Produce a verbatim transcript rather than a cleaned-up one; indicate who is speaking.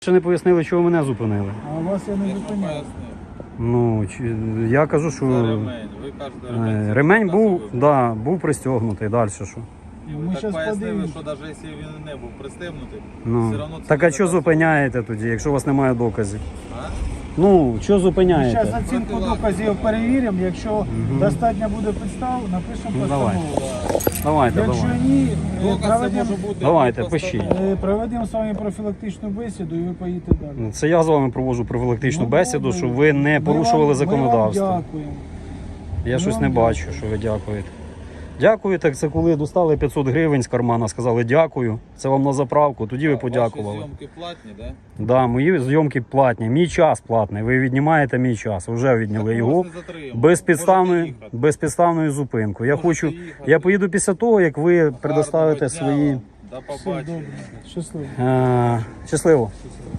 Speaker 1: Ще не пояснили, чого мене зупинили.
Speaker 2: А вас я не зупиняю.
Speaker 1: Ну, чи- я кажу, що
Speaker 3: Ремень. Ви кажете,
Speaker 1: е,
Speaker 3: ремень.
Speaker 1: ремень був, да, був пристегнутий, далі що.
Speaker 3: І
Speaker 2: Ми
Speaker 3: ви так
Speaker 2: щас
Speaker 3: пояснили,
Speaker 2: подивимось.
Speaker 3: що навіть якщо він не був пристебнутий,
Speaker 1: Ну.
Speaker 3: все одно це
Speaker 1: Так а
Speaker 3: не
Speaker 1: що
Speaker 3: так.
Speaker 1: зупиняєте тоді, якщо у вас немає доказів?
Speaker 3: А?
Speaker 1: Ну, що
Speaker 2: Зараз
Speaker 1: зупиняєте?
Speaker 2: оцінку доказів перевіримо. Якщо достатньо буде підстав, напишемо
Speaker 1: Ну, давай.
Speaker 2: постанову.
Speaker 1: Давайте,
Speaker 2: Якщо
Speaker 1: давайте.
Speaker 2: ні, е,
Speaker 3: Доказ це
Speaker 2: проведемо
Speaker 3: може бути.
Speaker 1: Давайте,
Speaker 3: просто-
Speaker 1: пишіть.
Speaker 2: е, проведемо з вами профілактичну бесіду і ви поїдете далі.
Speaker 1: Це я з вами проводжу профілактичну
Speaker 2: Ну,
Speaker 1: бесіду,
Speaker 2: добре.
Speaker 1: щоб ви не
Speaker 2: Ми
Speaker 1: порушували
Speaker 2: вам-
Speaker 1: законодавство.
Speaker 2: Ми вам дякуємо.
Speaker 1: Я
Speaker 2: Ми
Speaker 1: щось
Speaker 2: вам
Speaker 1: не бачу,
Speaker 2: дякуємо.
Speaker 1: що ви дякуєте. Дякую, так це коли достали п'ятсот гривень з кармана, сказали дякую, це вам на заправку, тоді ви
Speaker 3: Ваші
Speaker 1: подякували.
Speaker 3: зйомки платні, да?
Speaker 1: Да, мої зйомки платні, мій час платний, ви віднімаєте мій час, вже відняли
Speaker 3: Так ми
Speaker 1: його
Speaker 3: вас не затримуємо.
Speaker 1: безпідставною,
Speaker 3: Можете їхати.
Speaker 1: безпідставною зупинкою. Я
Speaker 3: Можете
Speaker 1: хочу,
Speaker 3: їхати.
Speaker 1: я поїду після того, як ви предоставите
Speaker 3: Гарного дня
Speaker 1: свої...
Speaker 3: вам. До
Speaker 2: Все
Speaker 3: побачення.
Speaker 2: добре. Щасливо.
Speaker 1: Е, щасливо.